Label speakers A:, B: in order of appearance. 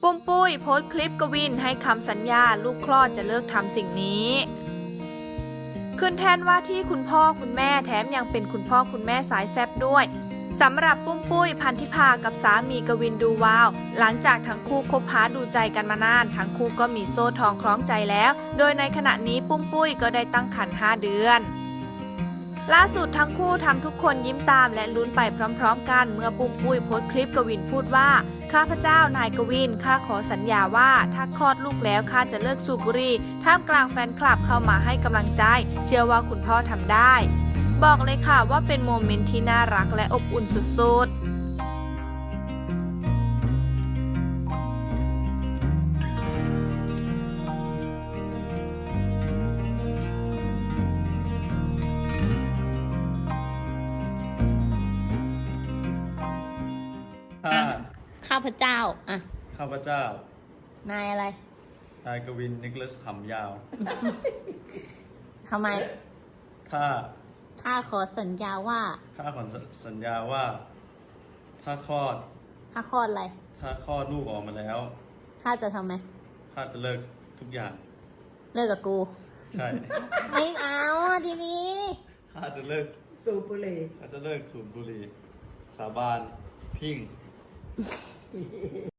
A: ปุ้มปุ้ยโพสต์คลิปกวินให้คำสัญญาลูกคลอดจะเลิกทำสิ่งนี้ขึ้นแทนว่าที่คุณพ่อคุณแม่แถมยังเป็นคุณพ่อคุณแม่สายแซ่บด้วยสำหรับปุ้มปุ้ยพันธิพากับสามีกวินดูวาวหลังจากทั้งคู่คบหาดูใจกันมานานทั้งคู่ก็มีโซ่ทองคล้องใจแล้วโดยในขณะนี้ปุ้มปุ้ยก็ได้ตั้งครรภ์5 เดือนล่าสุดทั้งคู่ทำทุกคนยิ้มตามและลุ้นไปพร้อมๆกันเมื่อปุ้มปุ้ยโพสต์คลิปกวินพูดว่าข้าพเจ้านายกวินข้าขอสัญญาว่าถ้าคลอดลูกแล้วข้าจะเลิกสูบบุหรี่ท่ามกลางแฟนคลับเข้ามาให้กำลังใจเชื่อว่าคุณพ่อทำได้บอกเลยค่ะว่าเป็นโมเมนต์ที่น่ารักและอบอุ่นสุด
B: ข้าพเจ้าอ่ะ
C: ข้าพเจ้า
B: นายอะไร
C: นายกวินนิโคลัสหำยาว
B: ทำไม ข้าขอสัญญาว่า
C: ข้าขอสัญญาว่า ถ้าคลอด
B: ข้าคลอดอะไร
C: ถ้าคลอดลูกออกมาแล้ว
B: ข้าจะทำไหม
C: ข้าจะเลิกทุกอย่าง
B: เลิกกับกู
C: ใช่
B: ไม่เอาอ่ะทีนี้
C: ข้าจะเลิก
D: สูบบุหรี่
C: ข้าจะเลิกสูบบุหรี่ สาบาน พิ้ง